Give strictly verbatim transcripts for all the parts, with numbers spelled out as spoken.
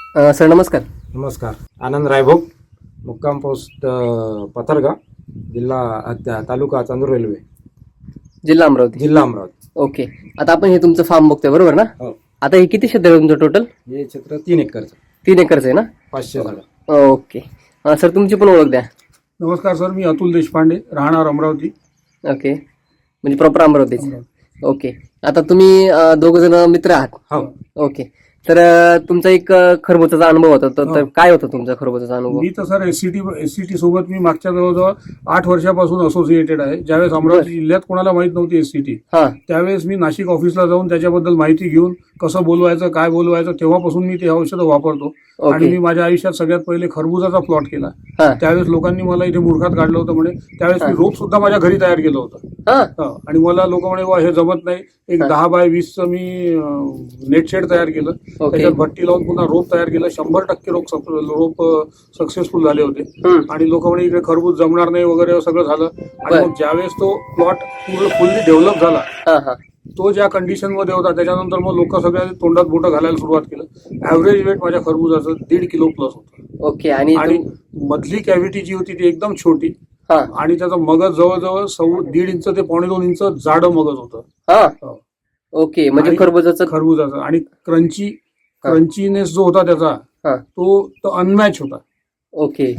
अ, sir नमस्कार. नमस्कार. आनंद रायभोग, मुक्काम पोस्ट अ, पथरगाव, जिल्हा अ, ता- तालुका चांदूर रेल्वे, जिल्हा अमरावती. जिल्हा अमरावती. ओके. आता आपण हे तुमचं फार्म बघतोय बरोबर ना? हो. आता हे किती क्षेत्र आहे तुमचं टोटल? हे क्षेत्र तीन एकरचं, तीन एकरच आहे ना? पाचशे झाडं. ओके. अ, सर तुमची पण ओळख द्या. नमस्कार सर, मी अतुल देशपांडे, राहणार अमरावती. ओके. म्हणजे प्रॉपर अमरावतीच. अमरावती. ओके. आता तुम्ही दोघ जण मित्र आहात. हो. ओके. तर अ, तुमचा एक अ, खरबुजाचा अनुभव होता. तर तर हो. काय होता तुमचा खरबुजाचा अनुभव? मी तर सर एससीटी एससीटी सोबत मी मागच्या जवळजवळ आठ वर्षापासून असोसिएटेड आहे. ज्यावेळेस अमरावती जिल्ह्यात कोणाला माहित नव्हती एससीटी, हा. त्यावेळेस मी नाशिक ऑफिसला जाऊन त्याच्याबद्दल माहिती घेऊन कसं बोलवायचं, काय बोलवायचं, तेव्हापासून मी ते औषधं वापरतो. आणि ओके. मी माझ्या आयुष्यात सगळ्यात पहिले खरबुजाचा प्लॉट केला. हा. त्यावेळेस लोकांनी मला इथे मूर्खात काढलं होतं म्हणे. त्यावेळेस मी रोप सुद्धा माझ्या घरी तयार केलं होतं. हा. हा. आणि मला लोक म्हणे वा हे जमत नाही. एक हा. दहा बाय वीसचं मी नेट शेड तयार केलं. ओके. त्याच्यात भट्टी लावून पुन्हा रोप तयार केलं. शंभर टक्के रोप सप- रोप सक्सेसफुल झाले होते. हम्म. आणि लोक म्हणे इकडे खरबूज जमणार नाही वगैरे सगळं झालं. आणि बर. मग ज्यावेळेस तो प्लॉट पूर्ण फुल्ली डेव्हलप झाला, हा हा. तो ज्या कंडिशन मध्ये होता त्याच्यानंतर मग लोक सगळ्या तोंडात बोटं घालायला सुरुवात केलं. ऍव्हरेज वेट माझ्या खरबुजाचं दीड किलो प्लस होतं. ओके. आणि आणि तुम- मधली कॅव्हिटी जी होती ती एकदम छोटी. हा. आणि त्याचं मगज जवळजवळ सव्व दीड इंच ते पावणे दोन इंच जाडं मगज होतं. हा. हो. ओके. म्हणजे आणि खरबुजाचं खरबुजाचं आणि क्रंची हा. क्रंचीनेस जो होता त्याचा, हा. तो तो अनमॅच होता. ओके.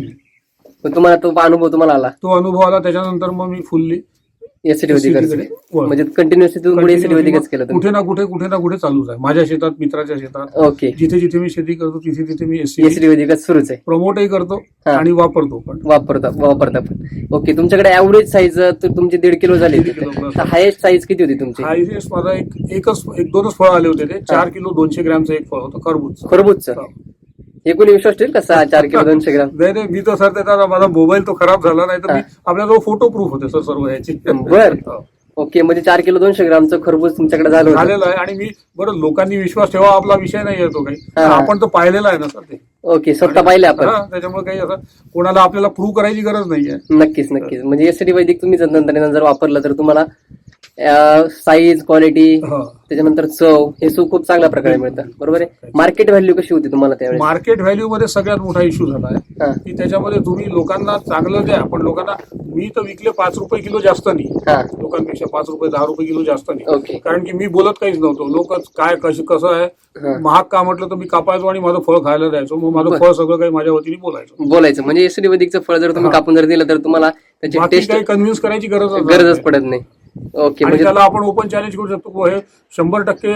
पण तुम्हाला तो अनुभव तुम्हाला आला तो अनुभव आला. त्याच्यानंतर मग मी फुल्ली एसटी वैदिक कडे वळलो. म्हणजे कंटिन्युअसली तुम्ही एसटी वैदिकच केलं तुम्ही. कुठे ना कुठे कुठे ना कुठे चालूच आहे. माझ्या शेतात, मित्राच्या शेतात, ओके. जिथे जिथे मी शेती करतो तिथे तिथे मी एससी एसटी वैदिकच सुरूच आहे. प्रमोटही करतो हा. आणि वापरतो पण. वापरता वापरता पण. ओके. तुमच्याकडे ऍव्हरेज साईज तर तुमची दीड किलो झाली. दीड किलो plus. हायेस्ट साईज किती होती तुमची? हायएस्ट माझा एक एकच एक दोनच फळ आले होते. ते चार किलो दोनशे ग्रॅमचं एक फळ होतं खरबूज. खरबूजचं हे कोणी विश्वास ठेवेल का? सहा चार किलो दोनशे ग्राम? नाही नाही, मी तर सर त्याचा माझा मोबाईल तो खराब झाला नाही तर हा. मी आपल्याजवळ फोटो प्रूफ होते सर सर्व याची. बर. हो. ओके. म्हणजे चार किलो दोनशे ग्रामचं खरबूज तुमच्याकडे झालं होतं. झालेलं आहे. आणि मी बरं, लोकांनी विश्वास ठेवा आपला विषय नाही येतो काही. हा. आपण तर पाहिलेला आहे ना सर ते. ओके. स्वतः पाहिले आपण. हा, त्याच्यामुळे काही असं कोणाला आपल्याला प्रूव्ह करायची गरज नाहीये. नक्कीच नक्कीच. म्हणजे एसटी वैदिक तुम्ही जर तंत्रज्ञान जर वापरलं तर तुम्हाला साईज, क्वालिटी, हा. त्याच्यानंतर चव हे सु खूप चांगल्या प्रकारे मिळतं. बरोबर आहे. मार्केट व्हॅल्यू कशी होती तुम्हाला त्यावेळेस? मार्केट व्हॅल्यू मध्ये सगळ्यात मोठा इश्यू झाला आहे हा. की त्याच्यामध्ये तुम्ही लोकांना चांगलं द्या, पण लोकांना मी तर विकले पाच रुपये किलो जास्त नाही. हा. लोकांपेक्षा पाच रुपये दहा रुपये किलो जास्त नाही. ओके. कारण की मी बोलत काहीच नव्हतो. लोक काय कसं कसं आहे, हा. महाग का म्हटलं तर मी कापायचो आणि माझं फळ खायला द्यायचो. मग माझं बरं. फळ सगळं काही माझ्या वतीने बोलायचं. बोलायचं म्हणजे एसटी वैदिकचं फळ जर तुम्ही हा. कापून जर दिलं तर तुम्हाला त्याची बाकी टेस्ट काही कन्व्हिन्स करायची गरज गरजच पडत नाही. ओके. आणि म्हणजे त्याला आपण ओपन चॅलेंज करू शकतो की हे शंभर टक्के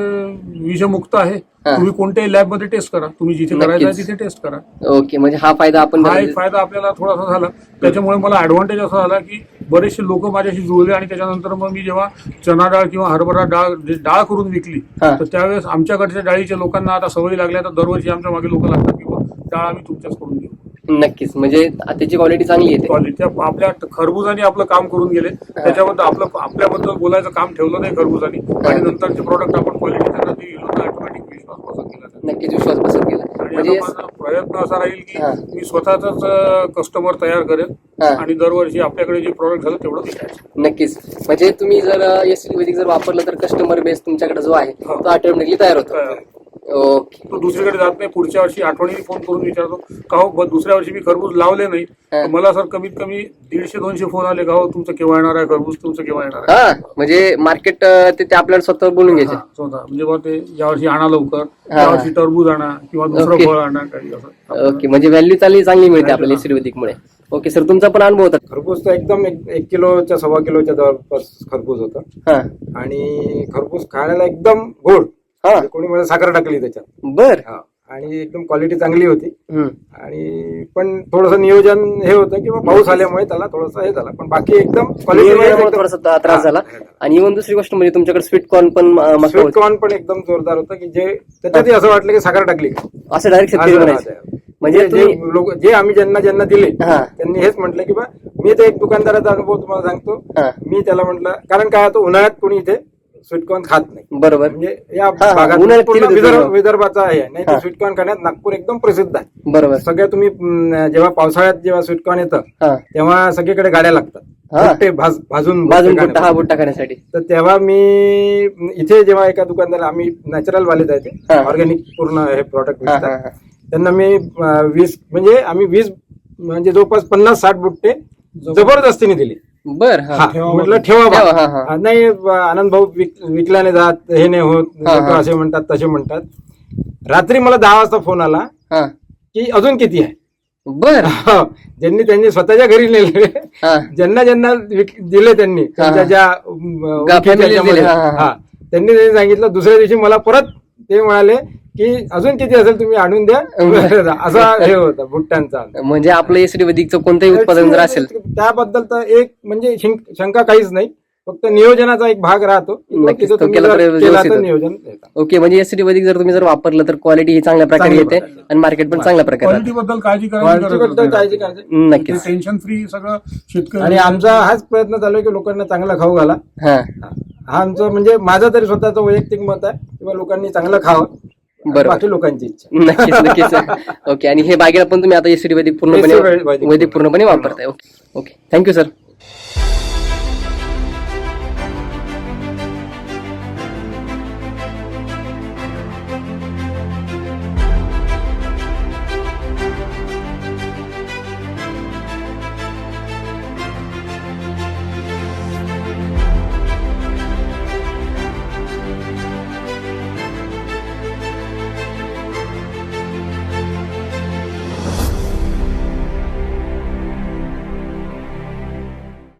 विषमुक्त आहे. हा. तुम्ही कोणत्याही लॅब मध्ये टेस्ट करा. तुम्ही जिथे करायचं आहे नक्कीच. तिथे टेस्ट करा. ओके. म्हणजे हा फायदा आपण हा एक फायदा आपल्याला थोडासा झाला. त्याच्यामुळे मला ऍडव्हान्टेज असा झाला की बरेचसे लोक माझ्याशी जुळले. आणि त्याच्यानंतर मग मी जेव्हा चना डाळ किंवा हरभरा डाळ जे डाळ करून विकली, हा. तर त्यावेळेस आमच्याकडच्या डाळीच्या लोकांना आता सवयी लागल्या. तर दरवर्षी आमच्या मागे लोक लागतात की बुवा, डाळ आम्ही तुमच्याचकडून घेऊ. नक्कीच. म्हणजे त्याची क्वालिटी चांगली येते. क्वालिटी आपल्या खरबुजाने आपलं काम करून गेले. त्याच्याबद्दल आपलं आपल्याबद्दल बोलायचं काम ठेवलं नाही खरबुजाने. आणि नंतरचे प्रोडक्ट आपण क्वालिटी त्यांना दिली तर ऑटोमॅटिक विश्वास बसत गेला. नक्कीच विश्वास बसत गेला. आणि म्हणजे आता माझा प्रयत्न असा राहील की हा. मी स्वतःच कस्टमर तयार करेल हा. आणि दरवर्षी आपल्याकडे जे प्रोडक्ट झालं तेवढं विकायचं. नक्कीच. म्हणजे तुम्ही जर एसटी वैदिक जर वापरलं तर कस्टमर बेस तुमच्याकडे जो आहे हा. तो ऑटोमॅटिकली तयार होतो. तयार. ओके. तो दुसरीकडे जात नाही. पुढच्या वर्षी आठवणीने फोन करून विचारतो का हो ब- दुसऱ्या वर्षी मी खरबूज लावले नाही. हा. तर मला सर कमीत कमी दीडशे दोनशे फोन आले का हो तुमचं केव्हा येणार आहे खरबूज, तुमचं केव्हा येणार आहे. हा. म्हणजे मार्केट ते ते आपल्याला स्वतःवर बोलून घ्यायचे. हा, स्वतः म्हणजे बा ते यावर्षी आणा लवकर, हा. यावर्षी टरबूज आणा किंवा दुसरं ओके. फळ आणा काही असं. ओके. म्हणजे व्हॅल्यू चांगली चांगली मिळते आपल्याला एसटी वैदिक मुळे. Okay sir. तुमचा पण अनुभव होता. खरबूज तर एकदम एक एक किलोच्या सव्वा किलोच्या जवळपास खरबूज होतं. हा. आणि खरबूज खायला एकदम गोड. हा. म्हणजे कोणी मला साखर टाकली त्याच्यात. बर. हा. आणि एकदम क्वालिटी चांगली होती. हम्म. आणि पण थोडंसं नियोजन हे होतं किंवा पाऊस आल्यामुळे त्याला थोडंसं हे झालं. पण बाकी एकदम नियोजनामुळे थोडासा ता- त्रास झाला. हा. आणि इव्हन दुसरी गोष्ट म्हणजे तुमच्याकडे स्वीट कॉर्न पण अं, मस्त स्वीट होते. कॉर्न पण एकदम जोरदार होतं की जे त्याच्यातही असं वाटलं की साखर टाकली का. असं डायरेक्ट शेतकरी असं म्हणायचे. राहतं. म्हणजे जे तुम्ही लोक जे आम्ही ज्यांना ज्यांना दिले हा. त्यांनी हेच म्हटलं की बा मी तर एक दुकानदाराचा अनुभव तुम्हाला सांगतो. हा. मी त्याला म्हटलं कारण काय होतं उन्हाळ्यात कोणी इथे स्वीटकॉर्न खात नाही. बरोबर. म्हणजे या हा, भागात उन्हाळ्यात पूर्ण केली विदर्भ जाते. विदर्भाचा आहे. नाही हा. तर स्वीटकॉर्न खाण्यात नागपूर एकदम प्रसिद्ध आहे. बरोबर. सगळ्या तुम्ही अं, जेव्हा पावसाळ्यात जेव्हा स्वीटकॉर्न येतं हा. तेव्हा सगळीकडे गाड्या लागतात. हा. भुट्टे भाज- भाजून भाजून भुट्टे भुट्टा हा भुट्टा खाण्यासाठी तर तेव्हा मी इथे जेव्हा एका दुकानदार आम्ही नॅचरल वाले हा. जायचे ऑर्गॅनिक पूर्ण हे प्रॉडक्ट हा हा विकतात हा त्यांना मी अं, वीस म्हणजे आम्ही वीस म्हणजे जवळपास पन्नास साठ बुट्टे जबरदस्तीने दिले. बर हा हा, ठेवा म्हटलं बा. ठेवा बा. ठेवा, हा, हा. हा, नाही ब- आनंद भाऊ विक- विकल्याने जात हे नाही होत हा, लोकं हा. असे म्हणतात तसे म्हणतात. रात्री मला दहा वाजता फोन आला हा की अजून किती आहे. बर हो, ज्यांनी त्यांनी स्वतःच्या घरी नेले हा ज्यांना ज्यांना विक- दिले त्यांनी त्यांच्या हा. ज्या अं, ओळखीच्या families दिले, याच्यामध्ये, हा, हा, हा. हा, त्यांनी त्यांनी सांगितलं दुसऱ्या दिवशी मला परत ते म्हणाले की अजून किती असेल तुम्ही आणून द्या असा हे होता भुट्ट्यांचा. म्हणजे आपलं एसडी वैदिकचं कोणतंही उत्पादन जर असेल त्याबद्दल तर एक म्हणजे शिंक- शंका काहीच नाही, फक्त नियोजनाचा एक भाग राहतो की तो नक्कीच, तिथं तो तुम्ही केला जर तर केला व्यवस्थित तर होतं. नियोजन येतं. ओके, म्हणजे एसडी वैदिक जर तुम्ही जर वापरलं तर क्वालिटी ही चांगल्या प्रकारे चांगल्या येते प्रकारे. आणि मार्केट पण चांगल्या प्रकारे क्वालिटी बद्दल काळजी करायची क्वालिटी गरज बद्दल काळजी नाही. करायची. नक्कीच. टेन्शन फ्री सगळं शेतकरी आणि आमचा हाच प्रयत्न चालू आहे की लोकांना चांगला खाऊ घाला. हा हा आमचं म्हणजे माझं तरी स्वतःचं वैयक्तिक मत आहे किंवा लोकांनी चांगलं खावं. बरोबर. बाकी लोकांची इच्छा. नक्कीच नक्कीच ओके, आणि हे बागेला पण तुम्ही आता एसडी वैदिक पूर्णपणे एसडी वैदिक वैदिक पूर्णपणे वापरताय. Okay okay, thank you sir.